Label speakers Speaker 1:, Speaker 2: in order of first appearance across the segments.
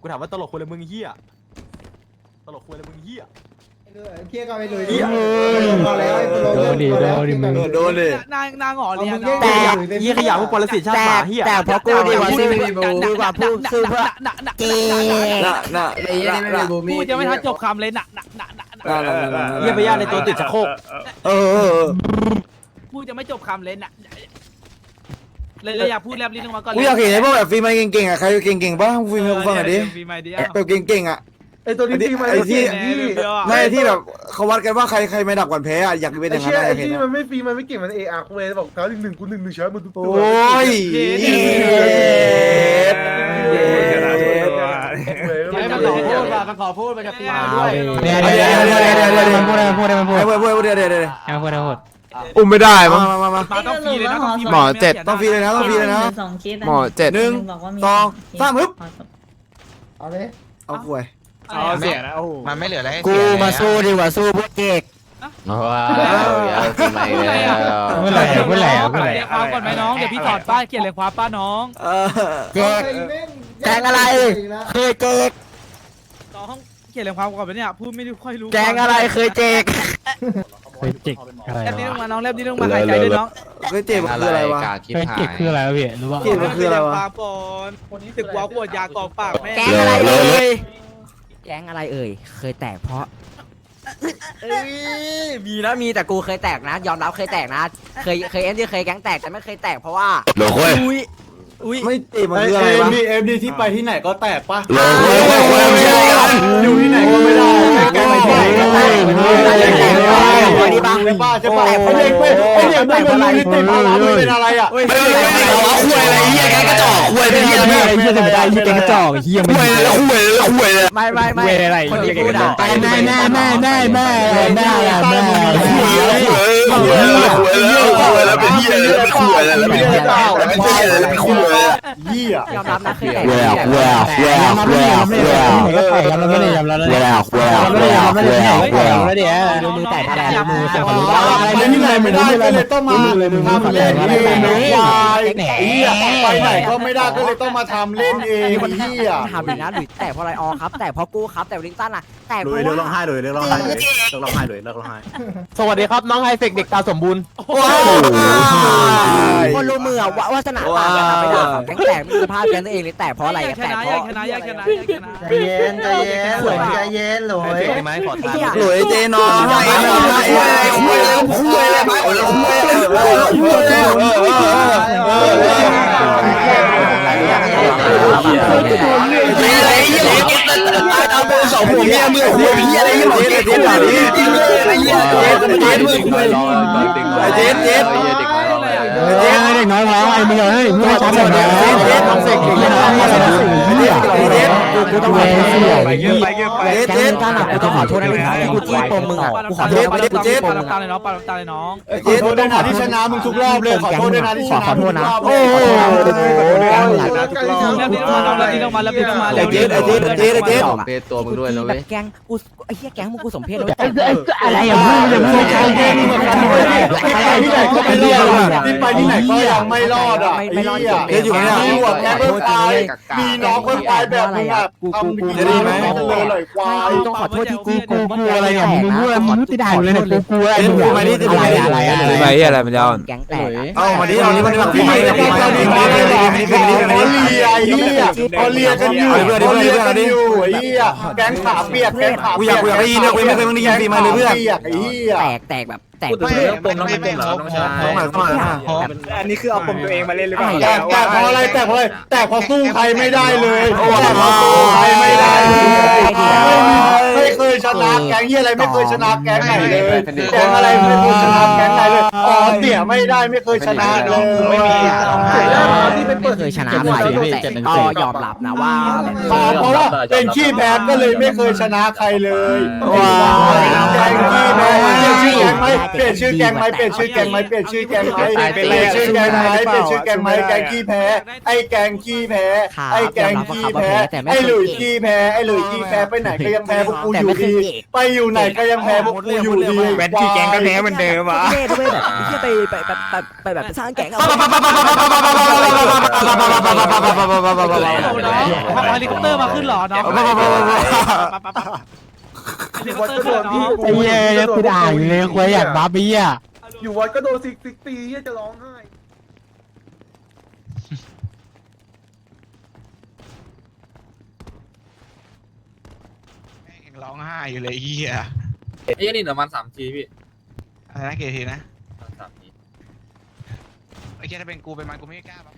Speaker 1: กูถามว่าตลกคนละมึงเฮียตลกคนละมึงเฮีย
Speaker 2: เคียก็ไปเลยดิ
Speaker 3: โดนดิมึง
Speaker 4: โดนเลย
Speaker 5: นางหงอเรียน
Speaker 1: แต่ยี่ขยะพวกปรสิตชาติหมาเฮีย
Speaker 3: แต่พอกูดีกว่าสู้ดีกว่าพูดสู้เพื่อเกย์
Speaker 4: น่ะไอ้ยี่นี่ไม่มีบูมี่
Speaker 5: พูดยังไม่ทันจบคำเลย
Speaker 1: เฮียไปย่าในตัวติดชักโครก
Speaker 5: พูดยังไม่จบคำเลยเลยอยากพูดแลบลิ้นออกมาก่อน
Speaker 4: กูอยากเห็นไอ้พวกแบบฟีมันเก่งๆอ่ะใครเก่งๆบ้างฟีมันกูฟังหน่อยดิ
Speaker 5: ฟีมาดิ
Speaker 4: แบบเก่งๆอ่ะ
Speaker 2: ไอตัวนี้ฟีมัน
Speaker 4: ไอ้ที่ไม่ที่แบบเขาวัดกันว่าใครไม่ดักก่อนแพ้อ่ะอยากเป็นอย่างนั้น
Speaker 2: ไอ้
Speaker 4: อยากเห็น
Speaker 2: ที่มันไม่ฟีมันไม่เก่งมันเออาร์กูเลยบอกเขาหนึ่งกูหนึ่งช้อยมันทุก
Speaker 4: โอ
Speaker 2: ตัว้
Speaker 4: ย
Speaker 1: มันขอพูดมันจะตีมาด้
Speaker 3: ด้
Speaker 1: ว
Speaker 3: วย ยมันพูดมันพูด
Speaker 4: เดี๋ยว
Speaker 6: อุ้มไม่ได้มั้ง
Speaker 4: มา
Speaker 5: ต้องฟรีเลยนะ
Speaker 6: หมอเจ็ด
Speaker 4: ต้องฟรีเลยนะต้องฟรีเลยนะ
Speaker 7: 2 เคส
Speaker 6: หมอเจ็ด
Speaker 4: 2 3ฮึบ
Speaker 2: เอาเลย
Speaker 4: เอาป่วย
Speaker 1: เอาเสียนะโอ้มันไม่เหลืออะไร
Speaker 3: กูมาสู้ดีกว่าสู้พวกเก๊ก
Speaker 6: ว้าวทำไมแล้ว
Speaker 3: เมื่อไหร่เมื่อไหร่
Speaker 5: เรียกความก่อนไหมน้องเดี๋ยวพี่ถอดป้ายเขียนเลยความป้าน้อง
Speaker 3: เก๊กแกงอะไรเคยเก๊ก
Speaker 5: น้องเขียนเลยความก่อนไปเนี่ยพูดไม่ค่อยรู้
Speaker 3: แกงอะไรเคยเจ๊กเคยเจ๊กอะไร
Speaker 5: แลบลิ้นลงมาน้องแลบลิ้นลงมาหายใจด้วยน้อง
Speaker 4: เฮ้ยเจ็บคืออะไรวะ
Speaker 3: เคยเจ๊กคืออะไรพี่รู้ป่ะ
Speaker 4: เจ็บคืออะไรวะ
Speaker 5: ความปอนคนนี้ตึกว้าวปวดยากองปากแม่
Speaker 3: แกงอะไรเอ่ยแกงอะไรเอ่ยเคยแตกเพราะมีนะมีแต่กูเคยแตกนะยอมรับเคยแตกนะเคยเอ็มที่เคยแก๊งแตกแต่ไม่เคยแตกเพราะว่า
Speaker 6: โลโก้
Speaker 3: อุ้ย
Speaker 4: ไม่เจ็บมันคืออะไรวะ
Speaker 2: เอ็มดีที่ไปที่ไหนก็แตกปะ
Speaker 6: โลโก้ไม่ใช่กัน
Speaker 2: อยู่ที่ไหนก็ไม่ได้แกไม่ได้ใช่ป่ะใช่ป่ะไอ้เด็กไม่เป็นไรติดอะไรไม่เป็นอะไรอ่ะ
Speaker 6: ไม่ได้คุยอะไรเฮียแกกระจอกคุยเป็นเฮีย
Speaker 3: เฮียจะไม่ได้เฮียแกงกระจอกเฮีย
Speaker 6: คุยแล้วคุยแล้วคุยแล้ว
Speaker 3: ไม่อะไรคนที่พูดอ่ะแม่
Speaker 6: คุยแล้วเป็นเฮียคุยแล้วเป็นเฮียเป็นเฮียแล้วคุย
Speaker 2: ยี่อ่ะ
Speaker 3: ยอมรับนะเคยแตก
Speaker 6: ยอมรับไม่ได้ยอมรับ
Speaker 3: มือแตกแต่มือเสียบรู้
Speaker 2: อะไรที่ไหนไม่ได้ก็เลยต้องมาทำเล่นเองวายยี่อ่ะไปไหนก็ไม่ได้ก็เลยต้องมาทำเล่นเองยี่อ่ะ
Speaker 3: ทำอย่างนั้นหรือแต่เพราะอะไรอ๋อครับแต่เพราะกูครับแต่ลิงตันอ่ะแต่
Speaker 4: เลยเลิกร้องไห้เลยเลิกร้องไห้เลยเลิกร้องไห้เลยเลิกร้องไห้
Speaker 1: สวัสดีครับน้องไฮเฟกเด็กตาสมบูรณ์
Speaker 3: คนรู้มือวาสนาต่างกันไปด่าแก๊งแตกมีสภาพแก๊งตัวเองเลยแต่เพราะอะไร
Speaker 5: ช
Speaker 3: แต่
Speaker 5: นะ
Speaker 3: เพราะ
Speaker 5: ชนะชนะ
Speaker 2: ใจเย็นหลอย
Speaker 1: เฟกได้ไหมขอทาน
Speaker 4: หลุยเจนอนให้คุยแล้วคุยแล้วเอาไปสองหัวเมียมือหัวเมียอะไรอย่างเงี้ยเจ๊แบบนี้เจ๊
Speaker 3: เด็กน้อยร้องไอ้มึงเฮ้ยมึงช้าหน่อยนะน้องเสกเด็กน้อยกูต้องขอโทษแก๊งกันอ่ะกูต้องขอโทษนะกูจี้ปมมึงอ่ะกูขอโทษกูจี้ปมมึง
Speaker 5: ตาเลยน้องปาตาเลยน้อง
Speaker 2: ขอโทษด้วยนะที่ชนะมึงทุกรอบเลยขอโทษด้วยนะที่ชนะ
Speaker 3: ขอโทษนะ
Speaker 2: โอ้โห
Speaker 5: แล้วนี่ลงมาแล้วนี่ลงมา
Speaker 4: เจ๊ตัวมึงด้วยนะเว้ย
Speaker 3: แก๊งกูไอ้เหี้ยแก๊งมึงกูสมเพชเลย
Speaker 2: อะไรอย่างนี้ที่ไหนก็ไม่รอดที่ไปที่ไหนก็ยังไม่รอดอ่ะไอ้เหี้ย
Speaker 4: เจ๊อยู่เนี่ย
Speaker 2: มีหัวแพ้เพิ่มตายมีน้องเพิ่มตายแบบมึงอ่ะทำจะดีไหมเลยเลยควาย
Speaker 3: ต้องขอโทษที่กูอะไรเนี่ยมึงพูดมึงติดด่าเลยเนี่ยกูอะไรมันจะแก๊งแตก
Speaker 4: เอามาดิเอานี่มันแบบ
Speaker 2: ที่ไหนก็ไม่ได้เขาเลียกันอยู่เขาเลียกันอยู่ไอ้เหี้ยแก๊งขาเปียกแก๊งขา
Speaker 4: กูอยากได้ยินนะกูไม่เคยได้ยินฟีมาเลยเพื่อน
Speaker 2: เปียกไอ้เหี้ย
Speaker 3: แตกแบบแตก
Speaker 1: เรื่องปมน้องไม่ปมเหรอน้องชาย
Speaker 4: ต้องมาต้องมา
Speaker 1: อันนี้คือเอาปมตัวเองมาเล่นหรือเปล่า
Speaker 2: แต่พออะไรแต่พอแต่พอสู้ใครไม่ได้เลยแต่พอสู้ใครไม่ได้เลยไม่เคยชนะแก๊งเหี้ยอะไรไม่เคยชนะแก๊งไหนเลยแก๊งอะไรไม่เคยชนะแก๊งไหนเลยอ๋อเตี่ยไม่ได้ไม่เคยชนะเลย
Speaker 1: ไม่มีที่
Speaker 3: ไม่เคยชนะใครแต่ก็ยอมรับนะว่า
Speaker 2: เพราะว่าเป็นขี้แพ้ก็เลยไม่เคยชนะใครเลยแก๊งขี้แพ้เปลี่ยนชื่อแก๊งไหมเปลี่ยนชื่อแก๊งไหมเปลี่ยนชื่อแก๊งไหมเปลี่ยนชื่อแก๊งไหมเปลี่ยนชื่อแก๊งไหมแก๊งขี้แพ้ไอ้แก๊งขี้แพ้ไอ้แก๊งขี้แพ้ไอ้หลุยขี้แพ้ไอ้หลุยขี้แพ้ไปไหนก็ยังแพ้พวกกูอยู่ดีไปอยู่ไหนก็ยังแพ้พวกกูอยู่ดี
Speaker 3: แวนที่แกงก็แพ้เหมือนเดิมอ่ะ
Speaker 4: เท่ด้วยแบบที่ไปแบบสร้างแก๊งเอา
Speaker 5: โอ้น้องขับเฮลิคอปเตอร์มาขึ้นหรอน้องเฮลิคอปเตอร์ขึ้นน้อง
Speaker 3: ไอ้เหี้ยกูด่าอยู่เลยคุยอยากบ้าบี้อ่ะ
Speaker 2: อยู่วัดก็โดนซิกตีจะร้องไห้
Speaker 3: ร้องไห้อยู่เลยเหี้ย
Speaker 7: ไอ้นี่ประมาณ3 ทีพี่
Speaker 3: อะไรนะกี่ทีนะ
Speaker 7: 3 ที
Speaker 3: ไอ้เหี้ยถ้าเป็นกูเป็นมันกูไม่กล้าบ้า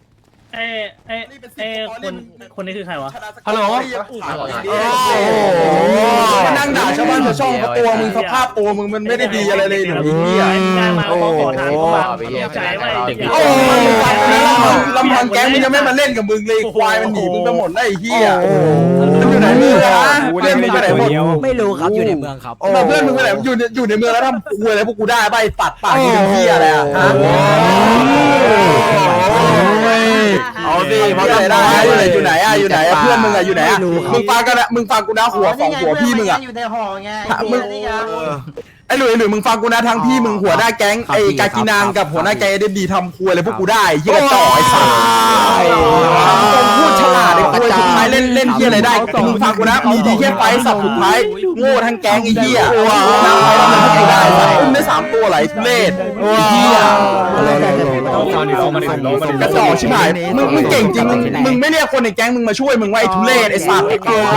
Speaker 5: คนนี้คือใครวะ
Speaker 1: ฮัลโหล
Speaker 2: นั่งด่าชาวบ้านชาวช่องเขาตัวมึงสภาพตัวมึงมันไม่ได้ดีอะไรเลยหนูเหี้ยโอ้โหลำพังแก๊งมึงยังไม่มาเล่นกับมึงเลยควายมันหนีมึงไปหมดแล้วไอ้เหี้ยมันอยู่ไหนมึงนะเพื่อนมึงไปไหนหมด
Speaker 4: ไม่รู้ครับอยู่ในเมืองครับ
Speaker 2: เพื่อนมึงไปไหนอยู่ในเมืองแล้วทำคุยอะไรพวกกูได้ใบตัดปากที่เป็นเหี้ยอะไรอ่ะเอาดิมาได้อยู่ไหนอ่ะอยู่ไหนเพื่อนมึงอ่ะอยู่ไหนอ่ะมึงฟังกันนะมึงฟังกูนะหัวของหัวพี่มึงอ่ะ
Speaker 8: อยู่ในหอไง
Speaker 2: ไอ้หลุยมึงฟังกูนะทั้งพี่มึงหัวหน้าแก๊งไอ้กากินางกับหัวหน้าแก๊งเดบีทำครัวอะไรพวกกูได้ยี่กระจอกไอ้สัสพูดฉลาดไอ้ครัวสุดท้ายเล่นเหี้ยอะไรได้มึงฟังกูนะมีดีแค่ไฟสับสุดท้ายโง่ทั้งแก๊งไอ้เหี้ยน้ำไฟทำอะไรพวกกูได้อุ้มได้3 ตัวไหลทุเรศไอ้เหี้ยกระจอกชิบหายมึงเก่งจริงมึงไม่เรียกคนในแก๊งมึงมาช่วยมึงว่าไอ้ทุเรศไอ้สัส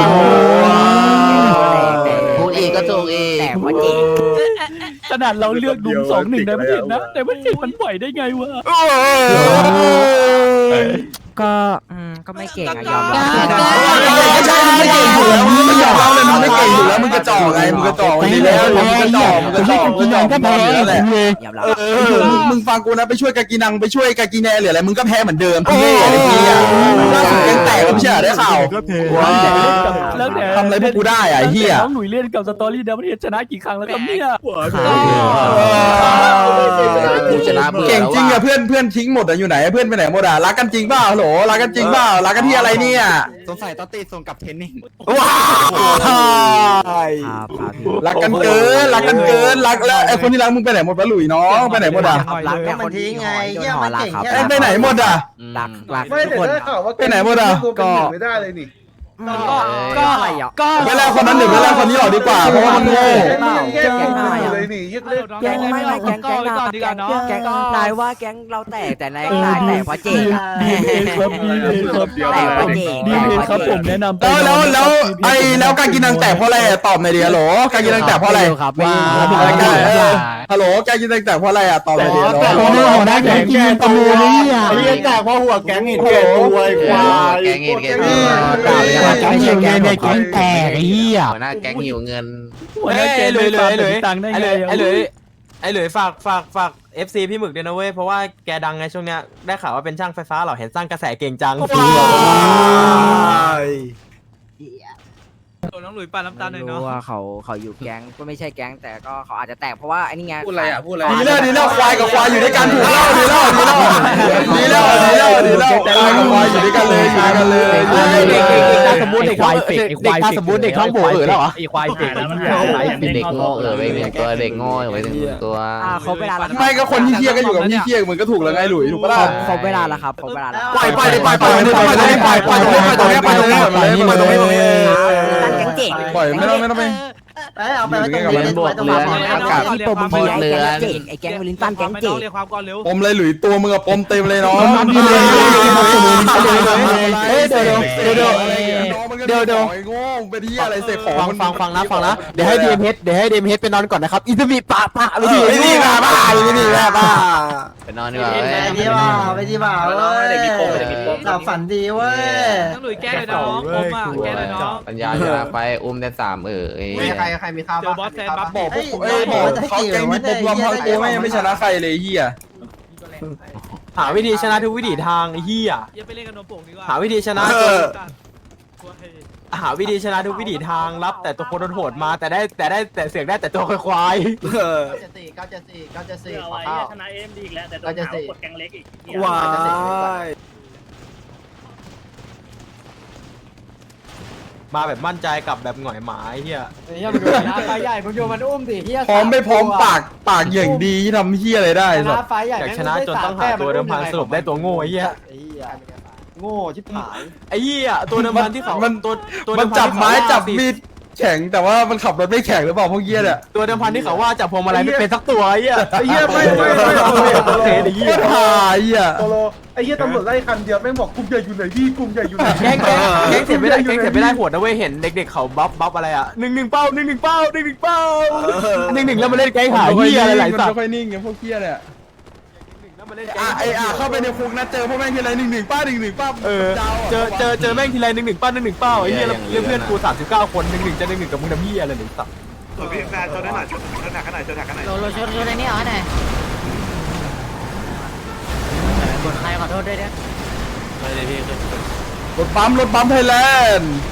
Speaker 4: พูดเองก็ถูกเองแต่ว่าจริง
Speaker 5: ขนาดเราเลือกดุม2-1ในประเทศนะแต่มันไหวได้ไงวะ
Speaker 4: ก็ไม่เก่งอะยอมรับ
Speaker 2: ไม่ใช่ไม่เก่งอยู่แล้วมึงไม่ยอมรับเลยมึงไม่เก่งอยู่แล้วมึงกระจอกไงมึงกระจอกดีแล้วมึงกระจอกก็แพ้อยู่แล้วแหละ
Speaker 4: ยอมรับ
Speaker 2: มึงฟังกูนะไปช่วยกากีนังไปช่วยกากีแนหรืออะไรมึงก็แพ้เหมือนเดิมพี่เล่ไอ้เหี้ยล่าสุดยังแตกก็ไม่ใช่ได้ข่าวทำอะไรพวกกูได้ไอ้เหี้ย
Speaker 5: น้องหนุ่ยเล่นกับสตอรี่เดวิดชนะกี่ครั้งแล้วครับเนี่ย
Speaker 4: กูชนะเบื่อ
Speaker 2: เก่งจริงอะเพื่อนทิ้งหมดอะอยู่ไหนเพื่อนไปไหนหมดอะรักกันจริงเปล่าโหลรักกันจริงเปล่ารักกันที่อะไรเนี่ย
Speaker 3: สงสัยต้องตีส่งกับเทนนิ่ง
Speaker 2: ว้ายรักกันเกินรักแล้วไอ้คนที่รักมึงไปไหนหมดวะหลุยน้องไปไหนหมดอะ
Speaker 4: รัก
Speaker 8: ก็มันทิ้งไงเยี่ยมันเก่งแค่
Speaker 2: ไปไหนหมดอะ
Speaker 4: รัก
Speaker 2: ไม่แต่ได้ข่าวว่าไปไหนหมดอะก็
Speaker 4: ก็อะไรอ่ะก็
Speaker 2: เวลาคนนั้นหรือเวลาคนนี้หรอดีกว่าเพราะว่ามันโง่
Speaker 4: แก๊งเลยนี่แก๊งไม่แก๊งนายว่าแก๊งเราแตกแต่นายแตกเพราะเจ๊กแตกเพราะเจ๊ก
Speaker 5: ดีเลยครับผมแนะนำ
Speaker 2: แล้วการกินนังแตกเพราะอะไรตอบหน่อยดิฮัลโหลการกินนังแตกเพราะอะไร
Speaker 3: ครับว่า
Speaker 2: ฮัลโหลการกินนังแตกเพราะอะไรตอบหน่อยดิฮัลโหล
Speaker 3: แต่หัวหน้าแก๊งกินตะมูนี่อ่ะ
Speaker 2: ไอ้เหี้ยแตกเพราะหัวแก๊งเห็นแก่ตัวไอ้ควาย
Speaker 4: แก๊งเงิน
Speaker 3: แก๊งแตกไอ้เหี้ย
Speaker 4: หัวหน้าแก๊งหิวเงิน
Speaker 5: หัวหน้าแกเลยตังค์ได้ไง
Speaker 1: ไอ้หลุยฝาก FC พี่หมึกด้วยนะเว้ยเพราะว่าแกดังไงช่วงเนี้ยได้ข่าวว่าเป็นช่างไฟฟ้าเหรอเห็นสร้างกระแสเก่งจัง
Speaker 5: น้องหลุยปาน้ำตาลหน่อย
Speaker 4: รู้
Speaker 5: เนาะ
Speaker 4: ว่าเขาอยู่แก๊งก็ไม่ใช่แก๊งแต่ก็เขาอาจจะแตกเพราะว่าไอ้นี่ไง
Speaker 7: พูดอะไรอ่ะพูดอะไร
Speaker 2: ดีแล้วควายกับควายอยู่ด้วยกันถูกแล้วดีแล้วควายกับควายอยู่ด้วยกันเลย
Speaker 3: สมมติเด็กสมมติเด็กท้องโบแล้วเหรอ
Speaker 5: ไอ้ควายเด็ก
Speaker 4: เด็กโง่ไปหนึ่งตัวเด็กโง่ไปหนึ่งตัวเขาเวลาแล้ว
Speaker 2: ไม่ก็คนที่เที่ยก็อยู่กับที่เที่ยมึงก็ถูกแล้วไงหลุยถูกปะล่ะ
Speaker 4: เขาเวลาแล้วครับเขาเวลาแล้ว
Speaker 2: ไปตรงนี้ปล่อยไม่ต้องไป
Speaker 8: เอาไปไว้ตรงนี้ไว้ตรงนี้
Speaker 4: ที่ปมมึงไอ้แก๊งวิลินตันแก๊งเจ๋ง
Speaker 5: เรียกความก่อนเร็ว
Speaker 2: ปมเลยหลุยตัวมึงอะปมเต็มเลยน้องเดี๋ยวโง่ไปที่อะไรเสกของ
Speaker 3: ฟังนะเดี๋ยวให้ดีเอ็มเฮดไปนอนก่อนนะครับอินเตอร์วิปะไม่ดี
Speaker 2: ไม่ดีบ้า
Speaker 4: ไปนอนดีกว่า
Speaker 8: ไปที่บ่าวหลับฝันดีเว้ย
Speaker 5: น้องหลุยแก้เลยน้องผมอ่ะแก้เลยน้อง
Speaker 4: ปัญญาจะไปอุ้มได้3
Speaker 8: ใครมีข้าว
Speaker 5: เจอบอสแซนบัฟ
Speaker 2: บอกเขาแกงมีปมรวมทั้งตัวไม่ชนะใครเลยเฮีย
Speaker 1: หาวิธีชนะทุกวิถีทางไอ้เหี้ย
Speaker 5: อย่าไปเล่นกับนมโป่งดีกว่า
Speaker 1: หาวิธีชนะหาวิธีชนะทุกวิถีทางรับแต่ตัวคนโหดมาแต่เสียงได้แต่ตัวควาย
Speaker 8: 974ขอข้าว
Speaker 5: ชนะเอ็มดีอีกแล้วแต่โดนหากดแกงเล็กอีก
Speaker 2: ว้าย
Speaker 1: มาแบบมั่นใจกับแบบหงอยหมาไอ้เหี้ย
Speaker 2: เฮียมึงดูนะไฟใหญ่มึงดูมันอุ้มดิเฮีย
Speaker 6: พร้อมไม่พร้อมปากอย่างดีทำเฮียอะไรได้สั
Speaker 2: นะ
Speaker 6: ส
Speaker 2: ไฟใหญ่
Speaker 1: อยากชนะจนต้องหาตัวเดิมพันสรุปได้ตัวโง่ไอ้เหี้ย
Speaker 2: โง่ชิบหาย
Speaker 1: ไอ้เหี้ยตัวเดิมพันที่เขาตัวเดิ
Speaker 6: มัน
Speaker 1: พั
Speaker 6: จับ
Speaker 1: ที่เขา
Speaker 6: ไม้
Speaker 1: ว่า
Speaker 6: จับมีดแข็งแต่ว่ามันขับรถไม่แข็งหรือเปล่าพวกเฮียเนี่ย
Speaker 1: ตัวเดิมพันที่เขาว่าจับพวงมาลัยไม่เป็นสักตัวไอ้เหี้ย
Speaker 6: ไอ้เหี้ยไม่
Speaker 1: โอเคไอ้เหี้ย
Speaker 6: หายอ่ะ
Speaker 9: โตโลไอ้เหี้ยตำรวจไล่คันเดียวแม่งบอกกลุ่มใหญ่อยู่ไหนพี่กลุ่มใหญ่อยู่ไหน
Speaker 1: แก๊งเสียไม่ได้แก๊งเสียไม่ได้โหดนะเว้ยเห็นเด็กๆเขาบัฟอะไรอ่ะ1-1เป้า1-1เป้า1-1เป้า1-1แล้วมาเล่นแก๊งหาเหี้ยอะไรหลายสัต
Speaker 6: ไม่
Speaker 1: ว์
Speaker 6: ค่อยนิ่งไงพวกเฮียเนี่ย
Speaker 1: แล้วมาเล่นแก๊ง
Speaker 6: เข้าไปในคุกนะเจอพวกแม่งทีไร1-1ป้า1-1ป้า
Speaker 1: เจอแม่งทีไร1-1เป้า1-1เป้าไอ้เหี้ยแล้วเพื่อนกู39คน1-1จะ1-1กับมึงทำเหี้ยอะไรหนึ่งสัตว์
Speaker 9: พี่แฟนชนได้หน่อยชนหนักขนาดชนหนักขนาด
Speaker 4: โลชนในนี้เหรอเนี่ยกดใครขอโทษด้วยเนี่ย
Speaker 6: รถปั๊มไทยแลนด์